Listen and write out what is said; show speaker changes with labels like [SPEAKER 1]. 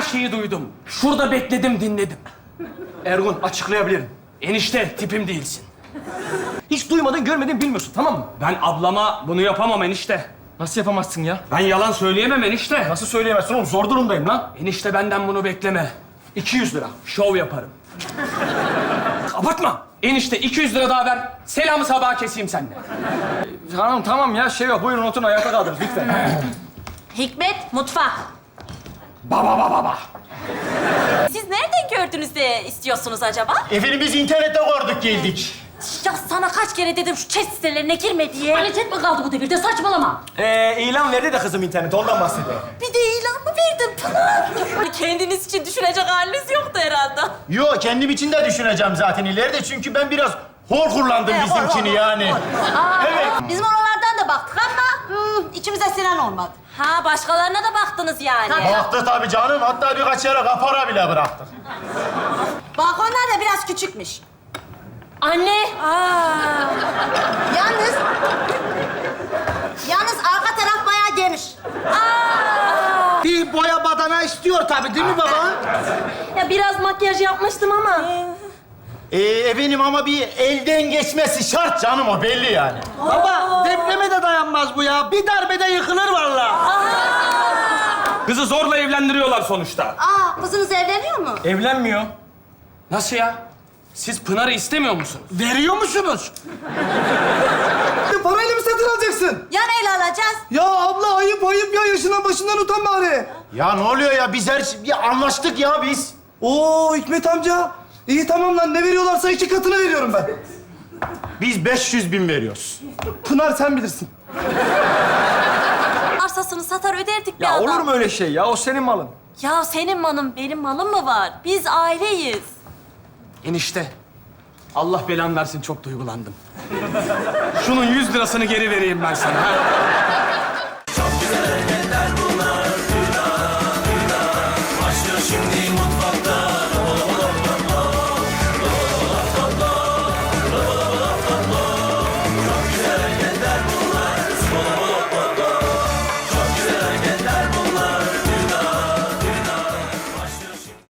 [SPEAKER 1] şeyi duydum. Şurada bekledim, dinledim.
[SPEAKER 2] Ergun, açıklayabilirim.
[SPEAKER 1] Enişte, tipim değilsin.
[SPEAKER 2] Hiç duymadın, görmedin, bilmiyorsun, tamam mı?
[SPEAKER 1] Ben ablama bunu yapamam enişte.
[SPEAKER 2] Nasıl yapamazsın ya?
[SPEAKER 1] Ben yalan söyleyemem enişte.
[SPEAKER 2] Nasıl söyleyemezsin oğlum? Zor durumdayım lan.
[SPEAKER 1] Enişte benden bunu bekleme.
[SPEAKER 2] 200 lira.
[SPEAKER 1] Şov yaparım.
[SPEAKER 2] Abartma.
[SPEAKER 1] Enişte 200 lira daha ver. Selamı sabaha keseyim seninle.
[SPEAKER 2] Tamam ya, şey yok. Buyurun oturun, ayakta kaldınız lütfen.
[SPEAKER 3] Hikmet, mutfak.
[SPEAKER 2] Baba.
[SPEAKER 3] Siz nereden gördünüz de istiyorsunuz acaba?
[SPEAKER 4] Efendim biz internette gördük geldik.
[SPEAKER 3] Ya sana kaç kere dedim şu chat sitelerine girme diye. Qualitet mi kaldı bu devirde? Saçmalama.
[SPEAKER 2] İlan verdi de kızım internete, ondan bahsediyor.
[SPEAKER 3] Bir de ilan mı verdin Pınar? Kendiniz için düşünecek haliniz yoktu herhalde.
[SPEAKER 4] Yo kendim için de düşüneceğim zaten ileride çünkü ben biraz hor kullandım bizimkini yani.
[SPEAKER 5] Evet. Bizim oralardan da baktık ama içimize sinen olmadı.
[SPEAKER 3] Ha, başkalarına da baktınız yani.
[SPEAKER 4] Baktı tabii canım, hatta birkaç yere kapora bile bıraktık.
[SPEAKER 5] Balkonlar da biraz küçükmüş.
[SPEAKER 3] Anne.
[SPEAKER 5] Yalnız arka taraf bayağı geniş.
[SPEAKER 6] Bir boya badana istiyor tabii değil mi baba?
[SPEAKER 3] Ya biraz makyaj yapmıştım ama.
[SPEAKER 4] Efendim ama bir elden geçmesi şart canım, o belli yani.
[SPEAKER 6] Baba depreme de dayanmaz bu ya. Bir darbede yıkılır vallahi.
[SPEAKER 1] Kızı zorla evlendiriyorlar sonuçta.
[SPEAKER 5] Kızınız evleniyor mu?
[SPEAKER 2] Evlenmiyor.
[SPEAKER 1] Nasıl ya? Siz Pınar'ı istemiyor musunuz?
[SPEAKER 6] Veriyor musunuz? Parayla mı satın alacaksın?
[SPEAKER 5] Ya neyle alacağız?
[SPEAKER 6] Ya abla ayıp ya. Yaşından başından utan bari.
[SPEAKER 4] Ya ne oluyor ya, biz anlaştık ya biz.
[SPEAKER 6] Oo Hikmet amca. İyi tamam lan. Ne veriyorlarsa 2 katını veriyorum ben.
[SPEAKER 4] Biz 500.000 veriyoruz.
[SPEAKER 6] Pınar sen bilirsin.
[SPEAKER 3] Arsasını satar öderdik bir
[SPEAKER 2] Ya
[SPEAKER 3] adam.
[SPEAKER 2] olur mu öyle şey ya? O senin malın.
[SPEAKER 3] Ya senin malın, benim malım mı var? Biz aileyiz.
[SPEAKER 1] Enişte, Allah belanı versin, çok duygulandım. Şunun 100 lirasını geri vereyim ben sana. Ha?